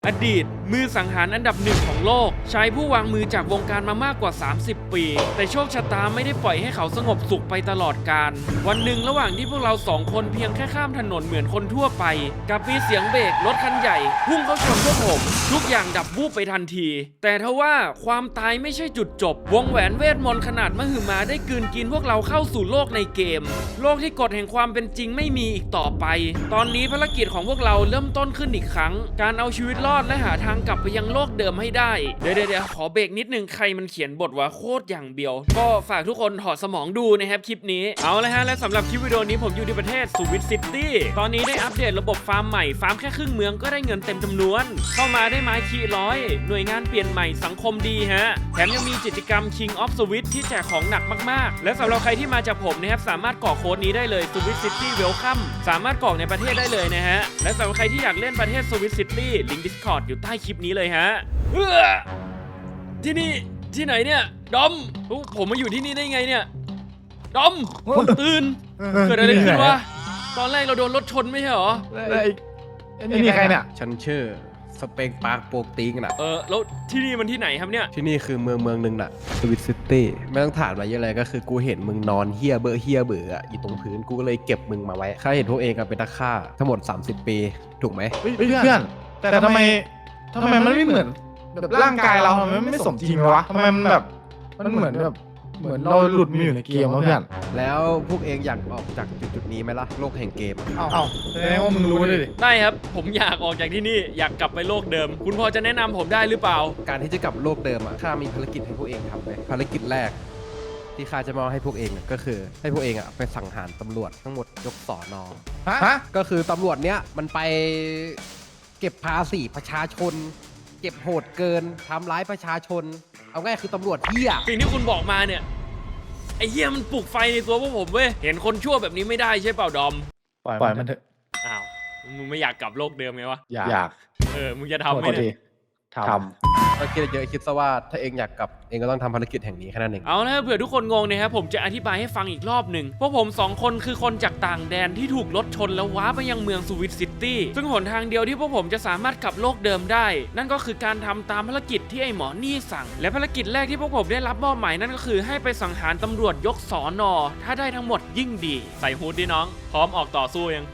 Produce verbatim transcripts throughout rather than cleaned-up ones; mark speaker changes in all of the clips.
Speaker 1: อดีตมือสังหารอันดับหนึ่งของโลกใช้ผู้วางมือจากวงการมามากกว่าสามสิบปีแต่โชคชะตาไม่ได้ปล่อยให้เขาสงบสุขไปตลอดกาลวันหนึ่งระหว่างที่พวกเราสองคนเพียงแค่ข้ามถนนเหมือนคนทั่วไปกับมีเสียงเบรกรถคันใหญ่พุ่งเข้าชนพวกผมทุกอย่างดับวูบไปทันทีแต่ทว่าความตายไม่ใช่จุดจบวงแหวนเวทมนต์ขนาดมหึมาได้กลืนกินพวกเราเข้าสู่โลกในเกมโลกที่กฎแห่งความเป็นจริงไม่มีอีกต่อไปตอนนี้ภารกิจของพวกเราเริ่มต้นขึ้นอีกครั้งการเอาชีวิตรอดและหาทางกลับไปยังโลกเดิมให้ได้เดี๋ยวเดี๋ยวขอเบรกนิดนึงใครมันเขียนบทว่าโคตรอย่างเบียวก็ฝากทุกคนถอดสมองดูนะครับคลิปนี้เอาละฮะและสำหรับคลิปวิดีโอนี้ผมอยู่ที่ประเทศสวิตซิตี้ตอนนี้ได้อัปเดตระบบฟาร์มใหม่ฟาร์มแค่ครึ่งเมืองก็ได้เงินเต็มจำนวนเข้ามาได้ไม้คีร้อยหน่วยงานเปลี่ยนใหม่สังคมดีฮะแถมยังมีกิจกรรม King of Switch ที่แจกของหนักมากๆและสำหรับใครที่มาจากผมนะครับสามารถกรอกโค้ดนี้ได้เลย Swiss City Welcome สามารถกรอกในประเทศได้เลยนะฮะและสำหรับใครที่อยากเล่นประเทศ Swiss City ลิงก์ Discord อยู่ใต้คลิปนี้เลยฮะเฮ้อที่นี่ที่ไหนเนี่ยดอมผมมาอยู่ที่นี่ได้ไงเนี่ยดอมตื่นเกิดอะไรขึ้นวะตอนแรกเราโดนรถชนไม่ใช่เหรอ
Speaker 2: ไอ้นี่ใครเนี่ย
Speaker 3: ฉันชื่อสเปงปาร์คโปกติงน่ะ
Speaker 1: เออแล้วที่นี่มันที่ไหนครับเนี่ย
Speaker 3: ที่นี่คือเมืองเมืองหนึ่งน่ะสวิตซิตี้ไม่ต้องถามอะไรเยอะเลยก็คือกูเห็นมึงนอนเฮียเบอร์เฮียเบื่ออยู่ตรงพื้นกูก็เลยเก็บมึงมาไว้ข้าเห็นพวกเองเป็นนักฆ่าทั้งหมดสามสิบปีถูกไหม
Speaker 2: เพื่อนแต่ทำไมทำไมมันไม่เหมือนแบบร่างกายเราทำไมมันไม่สมจริงวะทำไมมันแบบมันเหมือนแบบเหมือนเราหลุดมาอยู่ในเกมวะเพื่อน
Speaker 3: แล้วพวกเองอยากออกจากจุดจุดนี้ไหมล่ะโลกแห่งเกม
Speaker 2: เอ้าแสดงว่ามึงรู้เลยดิ
Speaker 1: ได้ครับผมอยากออกจากที่นี่อยากกลับไปโลกเดิมคุณพอจะแนะนำผมได้หรือเปล่า
Speaker 3: การที่จะกลับโลกเดิมอ่ะข้ามีภารกิจให้พวกเองทำเลยภารกิจแรกที่ข้าจะมอบให้พวกเองก็คือให้พวกเองอ่ะไปสังหารตำรวจทั้งหมดยกสอนอ
Speaker 2: ฮะ
Speaker 3: ก็คือตำรวจเนี้ยมันไปเก็บภาษีประชาชนเก็บโหดเกินทำร้ายประชาชนเอาง่ายคือตำรวจเหี้ย
Speaker 1: สิ่งที่คุณบอกมาเนี่ยไอ้เหี้ยมันปลุกไฟในตัวพวกผมเว้ยเห็นคนชั่วแบบนี้ไม่ได้ใช่เปล่าดอม
Speaker 2: ปล่อยมันเถอะ
Speaker 1: อ้าวมึงไม่อยากกลับโลกเดิมไงวะ
Speaker 2: อยาก
Speaker 1: เออมึงจะทำไหมเนี่ย
Speaker 3: ทำก็คิดเยอะคิดซะว่าถ้าเองอยากกลับเองก็ต้องทำภารกิจแห่งนี้แค่นั้นเอง
Speaker 1: เอาละเผื่อทุกคนงงนะครับผมจะอธิบายให้ฟังอีกรอบหนึ่งพวกผมสองคนคือคนจากต่างแดนที่ถูกรถชนแล้วว้าไปยังเมืองสวิตซิตี้ซึ่งหนทางเดียวที่พวกผมจะสามารถกลับโลกเดิมได้นั่นก็คือการทำตามภารกิจที่ไอ้หมอนี่สั่งและภารกิจแรกที่พวกผมได้รับมอบหมายนั่นก็คือให้ไปสังหารตำรวจยกสอนอถ้าได้ทั้งหมดยิ่งดีใส่ฮูดดิน้องพร้อมออกต่อสู้ยัง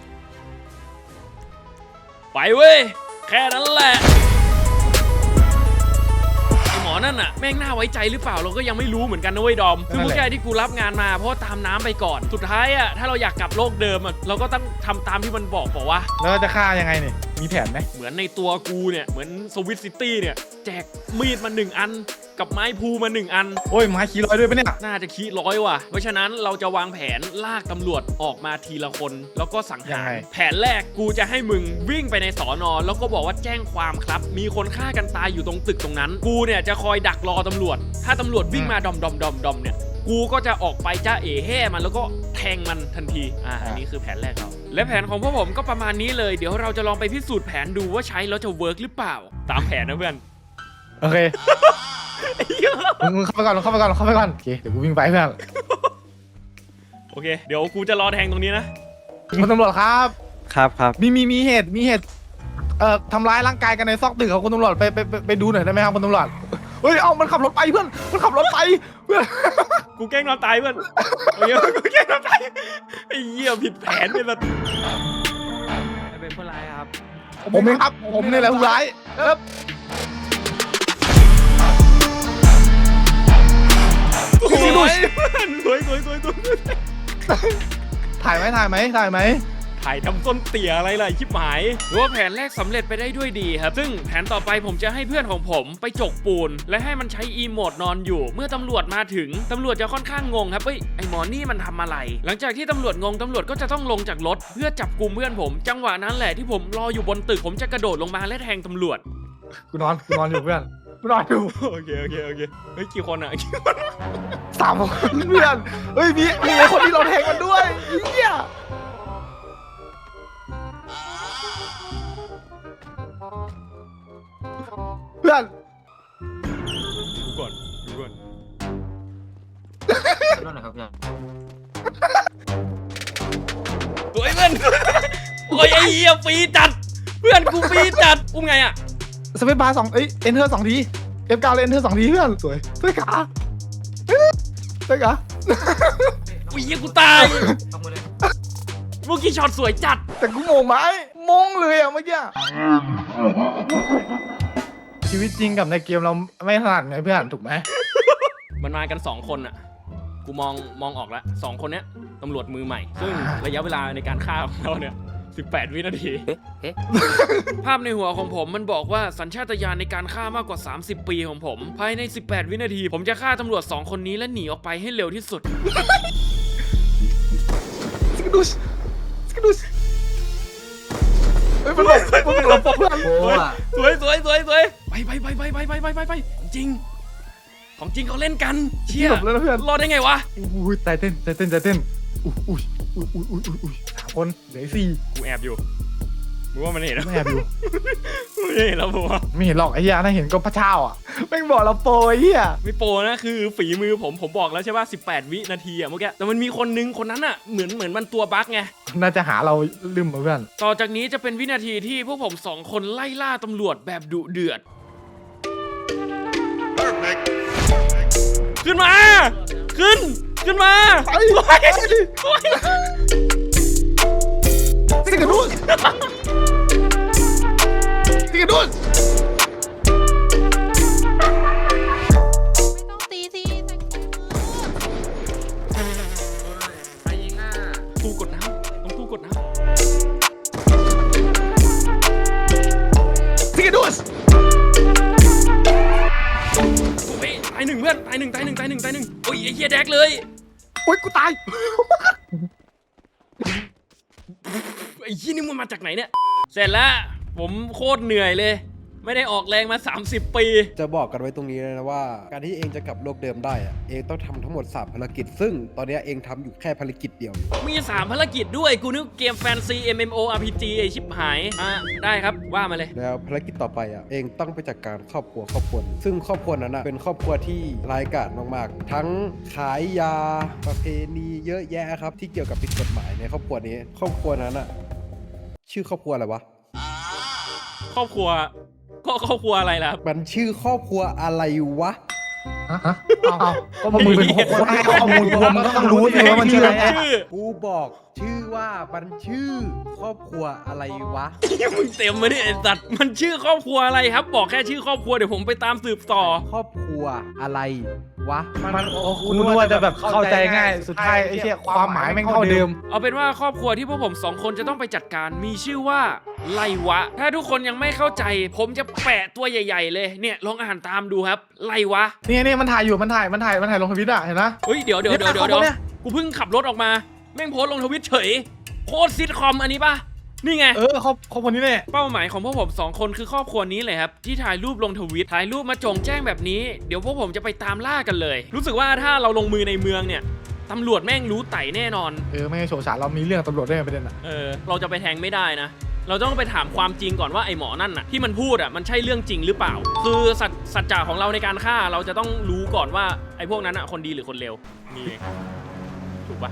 Speaker 1: ไปเว้ยแค่นั้นแหละหมอนั่นน่ะแม่งน่าไว้ใจหรือเปล่าเราก็ยังไม่รู้เหมือนกันนะเว้ยดอมคือผู้ชายที่กูรับงานมาเพราะตามน้ำไปก่อนสุดท้ายอ่ะถ้าเราอยากกลับโลกเดิมอ่ะเราก็ต้องทำตามที่มันบอกบอกว่า
Speaker 2: แล้วจะฆ่ายังไงเนี่ยมีแผนไหม
Speaker 1: เหมือนในตัวกูเนี่ยเหมือนสวิตซิตี้เนี่ยแจกมีดมาหนึ่งอันกับไม้พูมาหนึ่งอัน
Speaker 2: โอ้ยไม้ขี้ร้อยด้วยปะเนี่ย
Speaker 1: น่าจะขี้ร้อยว่ะเพราะฉะนั้นเราจะวางแผนลากตำรวจออกมาทีละคนแล้วก็สังหารแผนแรกกูจะให้มึงวิ่งไปในสอนอแล้วก็บอกว่าแจ้งความครับมีคนฆ่ากันตายอยู่ตรงตึกตรงนั้นกูเนี่ยจะคอยดักรอตำรวจถ้าตำรวจวิ่งมาดอมดอมดอมดอมเนี่ยกูก็จะออกไปจ้าเอ๋แห่มันแล้วก็แทงมันทันทีอ่าอันนี้คือแผนแรกเราและแผนของพวกผมก็ประมาณนี้เลยเดี๋ยวเราจะลองไปพิสูจน์แผนดูว่าใช้แล้วจะเวิร์กหรือเปล่าตามแผนนะเพื่อน
Speaker 2: โอเคมึงเข้าไปก่อนเข้าไปก่อนเข้าไปก่อนโอเคเดี๋ยวกูวิ่งไปเพื่อน
Speaker 1: โอเคเดี๋ยวกูจะรอแทงตรงนี้นะ
Speaker 2: คุณตำรวจครับ
Speaker 3: ครับครับ
Speaker 2: มีมีมีเหตุมีเหตุเอ่อทำร้ายร่างกายกันในซอกตึกครับคุณตำรวจไปไปไปดูหน่อยได้ไหมครับคุณตำรวจเฮ้ยเอามันขับรถไปเพื่อนมันขับรถไปเพื่อน
Speaker 1: กูแกล้งนอนตายเพื่อนโอเคกูแกล้งนอนตายไอ้เหี้ยผิดแผนไปแล้ว
Speaker 4: เป็นผู้ร้ายครับ
Speaker 2: ผมเองครับผมนี่แหละผู้ร้ายครับ
Speaker 1: สวยสวยสวยสวยสวย
Speaker 2: ถ่ายไหมถ่ายไหมถ่ายไหม
Speaker 1: ถ่ายทำต้นเตี่ยอะไรล่ะชิบหายหรือว่าแผนแรกสำเร็จไปได้ด้วยดีครับซึ่งแผนต่อไปผมจะให้เพื่อนของผมไปจกปูนและให้มันใช้อีโมดนอนอยู่เมื่อตำรวจมาถึงตำรวจจะค่อนข้างงงครับเฮ้ยไอหมอนี่มันทำอะไรหลังจากที่ตำรวจงงตำรวจก็จะต้องลงจากรถเพื่อจับกลุ่มเพื่อนผมจังหวะนั้นแหละที่ผมรออยู่บนตึกผมจะกระโดดลงมาและแทงตำรวจ
Speaker 2: กูนอนกูนอนอยู่เพื่อนกูนอนอยู่
Speaker 1: โอเคโอเคโอเคเฮ้ยกี่คนอ่ะ
Speaker 2: สามคนเพื่อนเฮ้ยมีมีคนที่เราแทงมันด้วยเฮียเพื่อน
Speaker 1: ดูก่อนดูก่อน
Speaker 4: นั่นแหละครับเพื่อน
Speaker 1: ตัวไอ้เพื่อนโอ้ยไอ้เหี้ยฟรีจัดเพื่อนกูปีจัดอุ้มไงอ่ะ
Speaker 2: สเปซบาร์สองเอ้ยเอนเทอร์สองทีเอฟเก้าเลยเอนเทอร์สองทีเพื่อนสวยสวยขาสวยขา
Speaker 1: อุ้ยเหี้ยกูตาย
Speaker 4: ต้องมาเลย
Speaker 1: เมื่อกี้ช็อตสวยจัด
Speaker 2: แต่กูโมงไหมมงเลยอะเมื่อกี้ชีวิตจริงกับในเกมเราไม่ถนัดไงเพื่อนถูกไหม
Speaker 1: มันมากันสองคนอ่ะกูมองมองออกแล้วสองคนเนี้ยตำรวจมือใหม่ ซึ่งระยะเวลาในการฆ่าของเราเนี่ยสิบแปดวินาที
Speaker 4: เอ๊ะเอ๊ะ
Speaker 1: ภาพในหัวของผมมันบอกว่าสัญชาตญาณในการฆ่ามากกว่า สามสิบ ปีของผม ภายใน สิบแปด วินาที ผมจะฆ่าตำรวจสองคนนี้และหนีออกไปให้เร็วที่สุด
Speaker 2: สกิดูสสกิดูสเฮ้ยมันหลบมันหลบเพื่อน
Speaker 4: โอ้อะ
Speaker 1: สวยสวยสวยสวยไปไปไปไปไปไปไปไปไปของจริง ของจริงเขาเล่นกันเชี่ย
Speaker 2: หลบแล้วนะเพื่อน
Speaker 1: รอดได้ไงวะ
Speaker 2: อุ้ยใจเต้นใจเต้นใจเต้นอุ้ยอุ้ยอุ้ยอุ้ยอุ้ยอุ้ยอุ้ยสามคนเหลือสี่
Speaker 1: กูแอบอยู่มึงว่ามันเห็นแล้ว
Speaker 2: ไม่แอบอยู่
Speaker 1: ไม่เห็นแล้วผมว่า
Speaker 2: ไม่เห็นหรอกไอ้เหี้ยน่าเห็นก็พระเจ้าอ่ะแม่งบอกเราโปรไอ้เหี้ย
Speaker 1: ไม่โปรนะคือฝีมือผมผมบอกแล้วใช่ป่ะสิบแปด วินาทีอะเมื่อกี้แต่มันมีคนนึงคนนั้นอะเหมือนเหมือนมันตัวบั๊กไง
Speaker 2: น่าจะหาเราลืมมาเพื่อน
Speaker 1: ต่อจากนี้จะเป็นวินาทีที่พวกผมสองคนไล่ล่าตำรวจแบบดุเดือด ขึ้นมา ขึ้น ขึ้นมา
Speaker 2: ไป
Speaker 1: โอ้ยโอ้ย
Speaker 2: สิกระดุนสิกระดุน
Speaker 5: ไม่ต้องตีสิแต่งตัว
Speaker 4: ไปยิงอ่ะ
Speaker 1: ตู้กดน้ำต้องตู้กดน้
Speaker 2: สิกระดุน
Speaker 1: ำโอ้ยตายหนึ่งเพื่อนตายหนึ่งตายหนึ่งตายหนึ่งตายหนึ่งโอ้ยไอ้เหี้ยแดกเลย
Speaker 2: โอ๊ยกูตาย
Speaker 1: ไอ้ยี่นี่มันมาจากไหนเนี่ย เสร็จแล้ว ผมโคตรเหนื่อยเลย ไม่ได้ออกแรงมา สามสิบ ปี
Speaker 3: จะบอกกันไว้ตรงนี้เลยนะว่า การที่เองจะกลับโลกเดิมได้อะเองต้องทำทั้งหมดสามภารกิจ ซึ่งตอนนี้เองทำอยู่แค่ภารกิจเดียว
Speaker 1: มี สาม ภารกิจด้วย กูนึกเกมแฟนซี เอ็ม เอ็ม โอ อาร์ พี จี ไอชิบหาย อ่ะ ได้ครับ ว่ามาเลย
Speaker 3: แล้วภารกิจต่อไปอ่ะเองต้องไปจัดการครอบครัวครอบครัวหนึ่งซึ่งครอบครัวนั้นอ่ะเป็นครอบครัวที่ร้ายกาจมากๆ ทั้งขายยาประเพณีเยอะแยะครับที่เกี่ยวกับผิดกฎหมายในครอบครัวนี้ ครอบครัวนั้นอ่ะชื่อครอบครัวอะไรวะ
Speaker 1: ครอบครัว ก็ครอบครัวอะไรล่ะ
Speaker 3: มันชื่อครอบครัวอะไรวะ
Speaker 2: ฮะเอาก็มึงเป็นคนให้ข้อมูลกูมึงก็ต้องรู้สิว่ามันชื่ออะไร
Speaker 1: ชื่อ
Speaker 3: กูบอกชื่อว่ามันชื่อครอบครัวอะไรวะ
Speaker 1: มึงเต็มมาดิไอ้สัตว์มันชื่อครอบครัวอะไรครับ บอกแค่ชื่อครอบครัวเดี๋ยวผมไปตามสืบต่อ
Speaker 3: ครอบครัวอะไรวะ
Speaker 2: มันโอ้คุณนึกว่าจะแบบเข้าใจง่ายสุดท้ายไอ้เชี่ยความหมายแม่งเท่าเดิม
Speaker 1: เอาเป็นว่าครอบครัวที่พวกผมสองคนจะต้องไปจัดการมีชื่อว่าไลวะ ถ้าทุกคนยังไม่เข้าใจ ผมจะแปะตัวใหญ่ๆเลยเนี่ยลองอ่านตามดูครับไลวะ
Speaker 2: เนี่ยเนี่ยมันถ่ายอยู่มันถ่ายมันถ่ายมันถ่ายลงทวิตอ่ะเห็นไหม
Speaker 1: เฮ้ยเดี๋ยวเดี๋ยวเดี๋ยวเดี๋ยว
Speaker 2: เนี่ย
Speaker 1: เดี๋ยวกูเพิ่งขับรถออกมาแม่งโพสต์ลงทวิตเฉยโคตรซิทคอมอันนี้ปะนี่ไง
Speaker 2: เออเขาเขาคนนี้เนี่ย
Speaker 1: เป้าหมายของพวกผมสองคนคือครอบครัวนี้เลยครับที่ถ่ายรูปลงทวิตถ่ายรูปมาโจงแจ้งแบบนี้เดี๋ยวพวกผมจะไปตามล่ากันเลย รู้สึกว่าถ้าเราลงมือในเมืองเนี่ยตำรวจแม่งรู้ไต่แน่นอน
Speaker 2: เออไม่ให้โฉฉาเรามีเรื่องตำรวจด้วยประเด็นอ่ะ
Speaker 1: เออเราจะไปแทงไม่ได้นะ เราต้องไปถามความจริงก่อนว่าไอ้หมอนั่นน่ะที่มันพูดอ่ะมันใช่เรื่องจริงหรือเปล่า คือสัจสัจจะของเราในการฆ่าเราจะต้องรู้ก่อนว่าไอ้พวกนั้นอ่ะคนดีหรือคนเลวนี่เองถูกปะ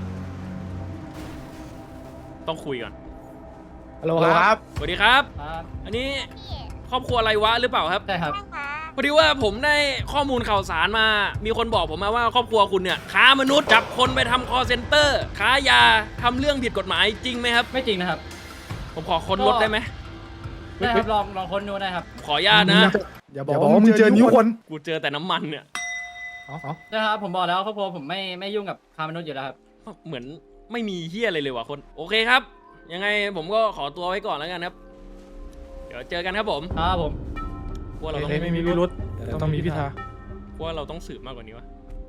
Speaker 1: ต้องคุยก่อน
Speaker 2: ฮัลโหลครับ
Speaker 1: สวัสดีครับ
Speaker 4: ครับ
Speaker 1: อันนี้ครอบครัวอะไรวะหรือเปล่าครับ
Speaker 4: ใช่ครับ
Speaker 1: พอดีว่าผมได้ข้อมูลข่าวสารมา มีคนบอกผมมาว่าครอบครัวคุณเนี่ยค้ามนุษย์จับคนไปทำคอเซ็นเตอร์ค้ายาทำเรื่องผิดกฎหมายจริงไหมครับ
Speaker 4: ไม่จริงนะครับ
Speaker 1: ผมขอค้นรถได้ไหม
Speaker 4: ได้ครับลองลองค้นดูได้ครับ
Speaker 1: ขออนุญาตนะ
Speaker 2: อย่าบอกว่ามึงเจอนิ้วคน
Speaker 1: กูเจอแต่น้ำมันเนี่ย
Speaker 2: อ๋ออ๋อ
Speaker 4: ได้ครับผมบอกแล้วครอบครัวผมไม่ไม่ยุ่งกับค้ามนุษย์อยู่แล้วครับ
Speaker 1: เหมือนไม่มีเฮียอะไรเลยว่ะคน โอเคครับ ยังไงผมก็ขอตัวไว้ก่อนแล้วกันครับ เดี๋ยวเจอกันครับผม
Speaker 4: ครับผม
Speaker 1: พวกเราต้อง
Speaker 2: เฮ้ยไม่มีพิรุธต้องมีพิธา
Speaker 1: พวกเราต้องสืบมากกว่านี้วะ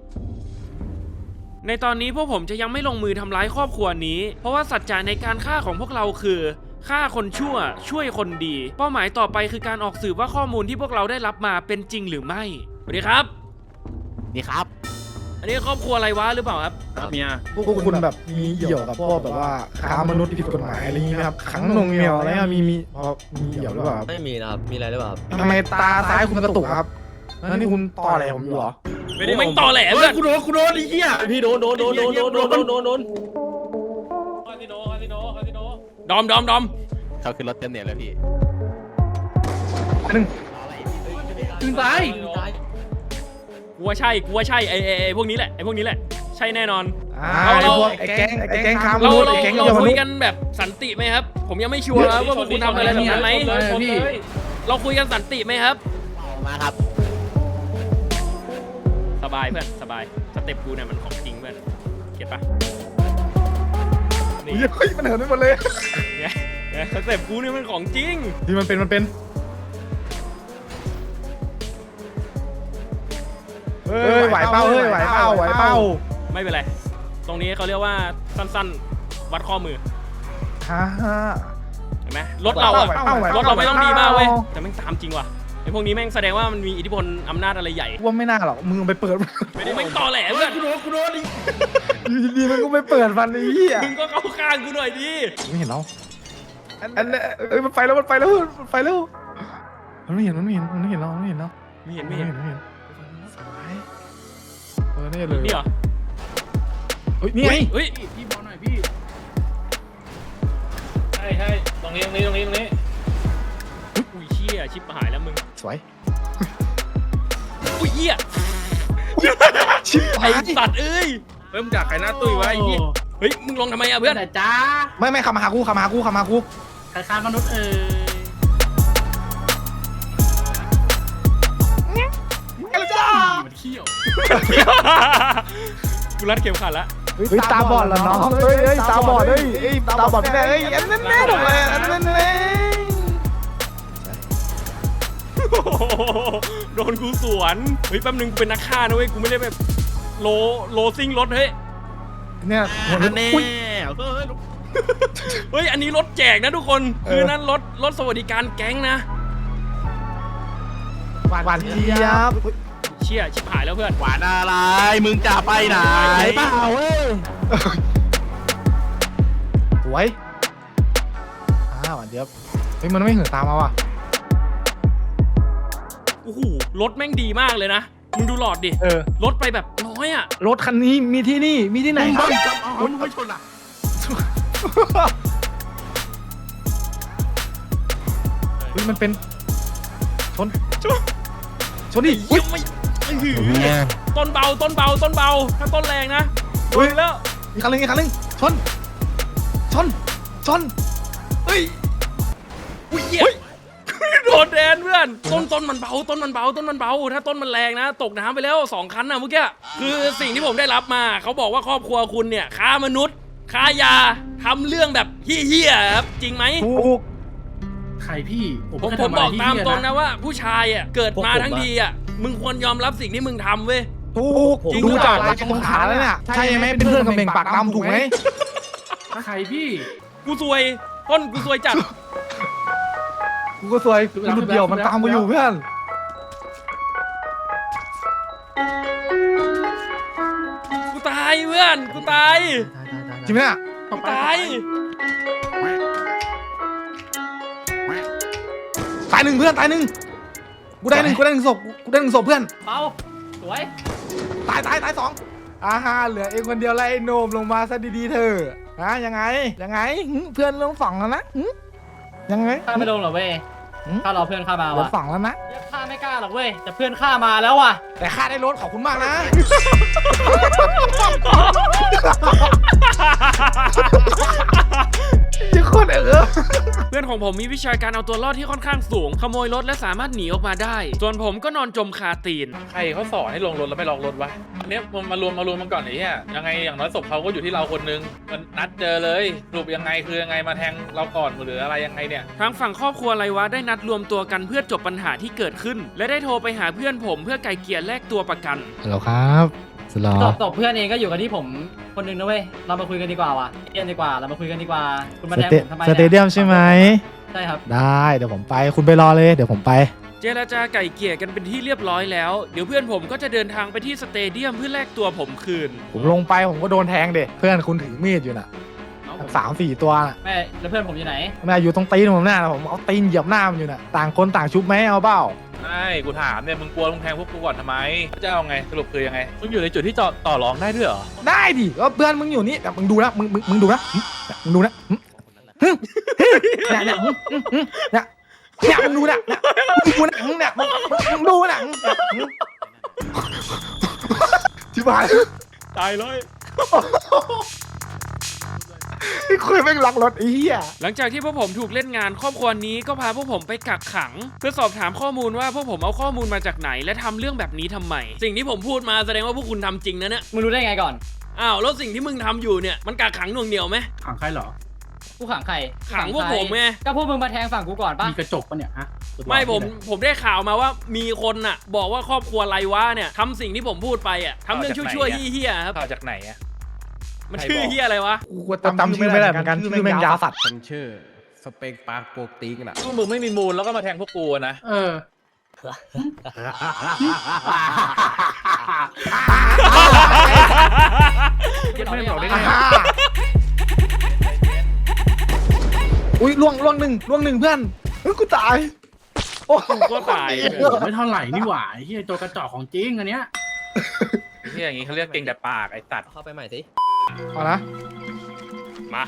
Speaker 1: ในตอนนี้พวกผมจะยังไม่ลงมือทำร้ายครอบครัวนี้ เพราะว่าสัจจะในการฆ่าของพวกเราคือฆ่าคนชั่วช่วยคนดี เป้าหมายต่อไปคือการออกสืบว่าข้อมูลที่พวกเราได้รับมาเป็นจริงหรือไม่สวัสดีครับ
Speaker 6: นี่ครับ
Speaker 1: อันนี้ครอบครัวอะไรวะหรือเปล่าครับ
Speaker 4: ครับเมีย
Speaker 2: พวกคุณแบบมีเกี่ยวกับพวกแบบว่าค้ามนุษย์ผิดกฎหมายอะไรอย่างงี้ไหมครับขังหนงเหนียวอะไรอะมีมีพอมีเกี่ยวหรือเปล่าครับ
Speaker 6: ไม่มีนะครับ มีอะไรหรือเปล่าครับ
Speaker 2: ทำไมตาซ้ายคุณกระตุกครับแล้วนี่คุณต่ออะไรผมอยู่เหรอ
Speaker 1: ไม่ได้ไม่งตอแหลเพื่อน
Speaker 6: กูโดนกูโดนไอ้เหี้ยพี่โดนโดนโดนโดนโดนโดนโดนโดนโดน
Speaker 1: ดอมดอมดอม
Speaker 6: เขาขึ้นรถเต็มเนี่ยเลยพี่
Speaker 2: หนึ่ง
Speaker 4: ถึงตาย
Speaker 1: กูว่าใช่กูว่าใช่ไอ้ไอ้ไอ้พวกนี้แหละไอ้พวกนี้แหละใช่แน่นอน
Speaker 2: อ่า
Speaker 1: เรา
Speaker 2: ไอ้
Speaker 1: เรา
Speaker 2: พวกไอ้แก๊งไอ้แก๊งค้าม
Speaker 1: เรา
Speaker 2: นุษย์
Speaker 1: เรา
Speaker 2: ไอ้แก๊ง
Speaker 1: เรา
Speaker 2: เยาว
Speaker 1: คุ
Speaker 2: นุ
Speaker 1: ย
Speaker 2: ษย์
Speaker 1: กันแบบสันติไหมครับ ผมยังไม่ชัวร์นะว่าพวกคุณทำอะไรแบบนั้นไหม
Speaker 4: พี่
Speaker 1: เราคุยกันสันติไหมครับ
Speaker 6: มาครับ
Speaker 1: สบายเพื่อนสบายสเต็ปกูเนี่ยมันของจริงเพื่อนเก็ตปะนี่
Speaker 2: เฮ้ยมันเหินไปหมดเลย
Speaker 1: ไงไงสเต็ปกูเนี่ยมันของจริง
Speaker 2: ที่มันเป็นมันเป็นเฮ้ยไหวเป้าเฮ้ยไหวเป้าไหวเป้า
Speaker 1: ไม่เป็นไรตรงนี้เขาเรียกว่าสั้นๆวัดข้อมือ
Speaker 2: ฮ่าฮ่า
Speaker 1: เห็นไหมรถเราอะ
Speaker 2: ไหวเป้าไหวเป้าร
Speaker 1: ถเราไม่ต้องดีมากเว้ย
Speaker 2: ไหวเป้า
Speaker 1: แต่แม่งตามจริงว่ะไอ้พวกนี้แม่งแสดงว่ามันมีอิทธิพลอำนาจอะไรใหญ่
Speaker 2: ว่าไม่น่าหรอกมึงไปเปิด
Speaker 1: ไม่ได้แม่งตอแหลเพื่อน
Speaker 6: กูโดนกูโดนดิ
Speaker 2: อยู่ดีๆมันก็ไปเปิดฟันไอ้เหี้ย
Speaker 1: มึงก็เข้าข้างกูหน่อยดิ
Speaker 2: ไม่เห็นเราอันนี้เอ้ยมันไปแล้วมันไปแล้วมันไปแล้วมันไม่เห็นมันไม่เห็นมันไม่เห็นเรามันไม่เห็นเรา
Speaker 1: ไม่เห็น
Speaker 2: ไม่
Speaker 1: ไม่
Speaker 2: เห็
Speaker 1: เห็
Speaker 2: น
Speaker 1: น
Speaker 2: ไม่เห็นสวยเออนี่เลย
Speaker 1: นี่เหรอ
Speaker 2: เฮ้ยนี่ไง
Speaker 1: เฮ้ย
Speaker 4: พี่บอลหน่อยพี่
Speaker 6: ใช่ใช่ตรงนี้ตรงนี้ตรงนี้ตรงนี้
Speaker 1: อุ้ยเชี่ยชิบหายแล้วมึง
Speaker 2: สวย
Speaker 1: อุ้ยเหี้ย
Speaker 2: ชิบ
Speaker 1: ไอ้
Speaker 2: หาย
Speaker 1: สัตว์เอ้ย
Speaker 6: เริ่มจากใครหน้าตุ้ยวะไอ้เหี้ย
Speaker 1: เฮ้ยมึงลงทำไมอะ
Speaker 4: เพื่
Speaker 1: เพื่
Speaker 4: อ
Speaker 1: อน น
Speaker 4: ไหนจ้า
Speaker 2: ไม่ไม่ขับมาหากูขับมาหากูขับมาหากู
Speaker 4: ใครฆ่ามนุษย์เอ่ย
Speaker 2: กันจ้า
Speaker 4: มันเขี้ยว
Speaker 1: กูรัดเข็มขัดละ
Speaker 2: เฮ้ยตาบอดเหรอน้องเฮ้ยเฮ้ยตาบอดเฮ้ยเฮ้ยตาบอดไม่ได้เฮ้ยอันนั้นแน่ถูกเลยอันนั้นแน่
Speaker 1: โอ้โหโดนกูสวนเฮ้ยแป๊บนึงกูเป็นนักฆ่านะเว้ยกูไม่ได้แบบโลโลซิ่งรถเฮ้ย
Speaker 2: เนี่ยหัว
Speaker 6: แน่
Speaker 2: อุ้ย
Speaker 6: เฮ้ย
Speaker 1: เฮ้ยอันนี้รถแจกนะทุกคน
Speaker 2: เออ
Speaker 1: คือนั่นรถรถสวัสดิการแก๊งนะ
Speaker 2: หวานหวานเจี๊ยบ
Speaker 1: เชี่ยชิบหายแล้วเพื่อน
Speaker 6: หวานอะไรมึงจะไปไหนเปล่าเว้ย
Speaker 2: สวยอ่าหวานเจี๊ยบเฮ้ยมันไม่เหินตามมาว่ะ
Speaker 1: โอ้โหรถแม่งดีมากเลยนะมึงดูหลอดดิ
Speaker 2: เออ
Speaker 1: รถไปแบบน้อยอ่ะ
Speaker 2: รถคันนี้มีที่นี่มีที่ไหนครับ
Speaker 6: มึงไม่ชนอ่ะ
Speaker 2: เฮ้ยมันเป็นชน
Speaker 1: ชน
Speaker 2: ชนดิ
Speaker 1: เยี่ยมไม่อื้อหือต้นเบาต้นเบาต้นเบาถ้าต้นแรงนะโดนแล้ว
Speaker 2: อีกคันหนึงอีกคันหนึงชนชนชนเฮ้ย
Speaker 1: อุ้ยเหี้ยโดนแดนเพื่อนต้นต้นมันเบาต้นมันเบาต้นมันเบาถ้าต้นมันแรงนะ ตกน้ำไปแล้วสองคันนะเมื่อกี้คือสิ่งที่ผมได้รับมาเขาบอกว่าครอบครัวคุณเนี่ยค้ามนุษย์ค้ายาทำเรื่องแบบเฮี้ยๆครับจริงไหม
Speaker 2: ถูก
Speaker 4: ใครพี่
Speaker 1: ผมผมบอกตามตรงนะว่าผู้ชายอ่ะเกิดมาทั้งทีอ่ะมึงควรยอมรับสิ่งที่มึงทำเว้ย
Speaker 2: ถูก
Speaker 1: จริง
Speaker 2: ดู
Speaker 1: หรือเป
Speaker 2: จา
Speaker 1: ล่า
Speaker 2: กลายตรงขาแล้วเนี่ยใช่ไหมเป็นเพื่อนกับเบ่งปากดำถูกไหม
Speaker 4: ใครพี่
Speaker 1: กูซวยต้นกูซวยจัด
Speaker 2: กูก็สวยกูหลุดเดี่ยวมันตามกูอยู่เพื่อน
Speaker 1: กูตายเพื่อนกูตาย
Speaker 2: จริงไหมเนี่ย
Speaker 1: กูตาย
Speaker 2: ตายหนึ่งเพื่อนตายหนึ่งกูได้หนึ่งกูได้หนึ่งศพกูได้หนึ่งศพเพื่อน
Speaker 4: เปาสวย
Speaker 2: ตายตายตายสองอ่าฮะเหลือเองคนเดียวไล่โนมลงมาซะดีๆเธอนะยังไงยังไงหึเพื่อนลงฝั่งแล้วนะหึยังไง
Speaker 4: ฆ่าไม่ลงหรอเว้ย
Speaker 2: หืม
Speaker 4: ฆ่ารอเพื่อนฆ่ามา
Speaker 2: ลง
Speaker 4: ว่ะ
Speaker 2: ฝั่งแล้วนะ
Speaker 4: ฆ่าไม่กล้าหรอกเว้ยแต่เพื่อนฆ่ามาแล้วว่ะ
Speaker 2: แต่ค่าได้รถขอบคุณมากนะยังโคตรเออ
Speaker 1: เพื่อนของผมมีวิชาการเอาตัวรอดที่ค่อนข้างสูง ขโมยรถและสามารถหนีออกมาได้ ส่วนผมก็นอนจมคาตีน
Speaker 6: ใครเขาสอนให้ลงรถแล้วไม่ลองรถวะอันเนี้ยมันมารวมมารวมมันก่อนไอ้เหี้ยยังไงอย่างน้อยศพเขาก็อยู่ที่เราคนนึงมันนัดเจอเลยสรุปยังไงคือยังไงมาแทงเราก่อนหรืออะไรยังไงเนี่ย
Speaker 1: ทางฝั่งครอบครัวไรวะได้นัดรวมตัวกันเพื่อจบปัญหาที่เกิดขึ้น และได้โทรไปหาเพื่อนผมเพื่อไกลเกลี่ยแลกตัวประกัน
Speaker 2: ฮัลโหลครับสลอ
Speaker 4: ตบตบเพื่อนเองก็อยู่กับที่ผมคนหนึงนะเว้ยเรามาคุยกันดีกว่าว่ะเรียนดีกว่าเรามาคุยกันดีกว่าคุณมาแทงผมทำไม
Speaker 2: สเตเดียมใช่ไหม
Speaker 4: ใช่ครับ
Speaker 2: ได้เดี๋ยวผมไปคุณไปรอเลยเดี๋ยวผมไป
Speaker 1: เจรจาไก่เกลี่ยกันเป็นที่เรียบร้อยแล้ว เดี๋ยวเพื่อนผมก็จะเดินทางไปที่สเตเดียมเพื่อแลกตัวผมคืน
Speaker 2: ผมลงไปผมก็โดนแทงเด็เพื่อนคุณถือมีดอยู่น่ะสามสี่ตัวน่ะ
Speaker 4: แม่แล้วเพื่อนผมอยู่ไหน
Speaker 2: แม่อยู่ตรงตีนผมหน้าน่ะผมเอาตีนเหยียบหน้ามันอยู่น่ะต่างคนต่างชุบไหมเอาเปล่า
Speaker 6: ใช่กูถามเนี่ยมึงกลัวมึงแทงพวกกูก่อนทำไมจะเอาไงสรุปคือยังไไงมึงอยู่ในจุดที่ต่อต่อรองได้ด้วยเหรอ
Speaker 2: ได้ดิก็เพื่อนมึงอยู่นี่แต่มึงดูนะมึงมึงมึงดูนะหึมึงดูนะหึหึหึเนี่ยเนี่ยหึหึหึเนี่ยเนี่ยมึงดูหนังเนี่ยมึงดูหนังเนี่ยมึงมึงดูหนังที่บ้าน
Speaker 1: ตายเลย
Speaker 2: ที่คุยแม่งล็อกรถไอ้เหี้ย
Speaker 1: หลังจากที่พวกผมถูกเล่นงานครอบครัวนี้ก็พาพวกผมไปกักขัง เพื่อสอบถามข้อมูลว่าพวกผมเอาข้อมูลมาจากไหนและทำเรื่องแบบนี้ทำไม สิ่งที่ผมพูดมาแสดงว่าพวกคุณทำจริงนะเนี่ย
Speaker 4: มึงรู้ได้ไงก่อน
Speaker 1: อ้าวแล้วสิ่งที่มึงทำอยู่เนี่ยมันกักขังหน่วงเหนียวไหม
Speaker 5: ขังใครเหรอ
Speaker 4: กูขังใคร
Speaker 1: ขังพวกผมไง
Speaker 4: ก็พวกมึงมาแทงฝั่งกูก่อนปะ
Speaker 5: มีกระจกปะเนี่ยฮะ
Speaker 1: ไม่ผมผมได้ข่าวมาว่ามีคนน่ะ บอกว่าครอบครัวไรวะเนี่ยทำสิ่งที่ผมพูดไปอ่ะทำเรื่องชั่วๆเฮี้ยๆครับ
Speaker 6: ข่าวจากไหนอะ
Speaker 1: มันชื่อเฮี้ยอะไรวะ
Speaker 2: กูจำจำชื่อไม่ได้เหมือนกันชื่อแม่งยาวสัตว์
Speaker 3: ฉันชื่อสเปกปาร์คโปกติงน่ะ
Speaker 6: พวกมึงไม่มีมูลแล้วก็มาแทงพวกกูอะนะ
Speaker 5: เออ
Speaker 4: ไม่บอกได้ไง
Speaker 2: อุ้ยล่วงล่วงหนึ่งล่วงหนึ่งเพื่อนเฮ้ยกูตายโอ้
Speaker 1: กูก็ตาย
Speaker 5: ไม่เท่าไหร่นี่หว่าไอ้เหี้ยตัวกระจอกของจริงอันเนี้ย
Speaker 6: ไอ้เหี้ยอย่างงี้เขาเรียกเก่งแต่ปากไอ้สัตว์
Speaker 7: เข้าไปใหม่สิ
Speaker 2: เอานะ
Speaker 1: มา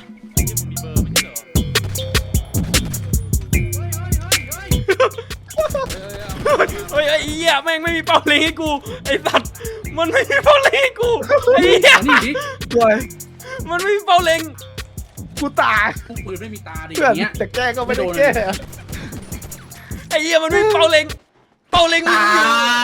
Speaker 1: เฮ้ยไอ้เหี้ยแม่งไม่มีเป้าเล็งให้กูไอ้สัตว์มันไม่มีเป้าเล็งให้กูไอ้เหี้ย
Speaker 5: เอานี่ดิ
Speaker 2: ป่วย
Speaker 1: มันไม่มีเป้าเล็ง
Speaker 2: กูตาย
Speaker 5: พวกปืนไม่มีตาดิอ
Speaker 2: เพื่อน
Speaker 5: ย่างเงี้ย
Speaker 2: จะแก้ก็ไม่ได้แก้
Speaker 1: ไอ้เหี้ยมันไม่มีเป้าเล็งเป้าเล็งมัน
Speaker 5: ต
Speaker 1: อยู่
Speaker 5: าย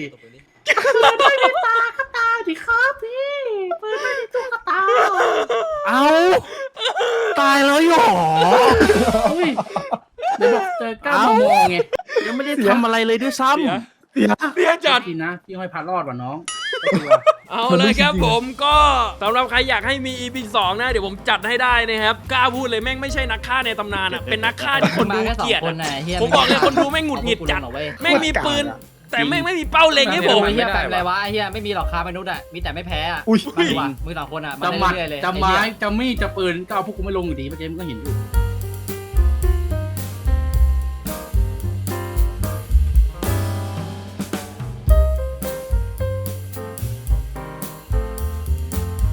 Speaker 7: ตายดิครับพี่ปืนไม่ได้ตุ๊กตา
Speaker 2: เอาตายแล้วหรอ
Speaker 5: เฮ้ยเดี๋ยวบอกเจอก้าวมามองไงยังไม่ได้ทำอะไรเลยด้วยซ้
Speaker 1: เสีย
Speaker 2: เสีย
Speaker 1: เสียจัด
Speaker 5: ำกินนะพี่ห้อยพัดรอดว่ะน้อง
Speaker 1: เอาเลยครับผมก็สำหรับใครอยากให้มี อี พี สองนะเดี๋ยวผมจัดให้ได้นะครับกล้าพูดเลยแม่งไม่ใช่นักฆ่าในตำนานอ่ะเป็นนักฆ่าที่คนดู
Speaker 4: มาแค่สอ
Speaker 1: เกลียด
Speaker 4: งคน
Speaker 1: อะ
Speaker 4: น่ะเฮีย
Speaker 1: ผมบอกเลยคนดูแม่งหงุดหงิดจัด
Speaker 4: เอาพวกกูลงหรอเว้ย
Speaker 1: แม่งมีปืน แต่แม่งไม่มีเป้าเล็งให้ผม
Speaker 4: ไอ้เฮียแปลอะไรวะไอ้เฮียไม่มีหรอกค้ามนุษย์อ่ะมีแต่ไม่แพ้อ่ะ
Speaker 2: อุ้ย
Speaker 4: มาดีกว่ามือสองคนอ่ะมา
Speaker 5: จะหมัด
Speaker 4: เรื่อยๆเลย
Speaker 5: จะไม้จะมีดจะปืนก็เอาพวกกูไม่ลงอยู่ดีเมื่อกี้มึงก็เห็นอยู่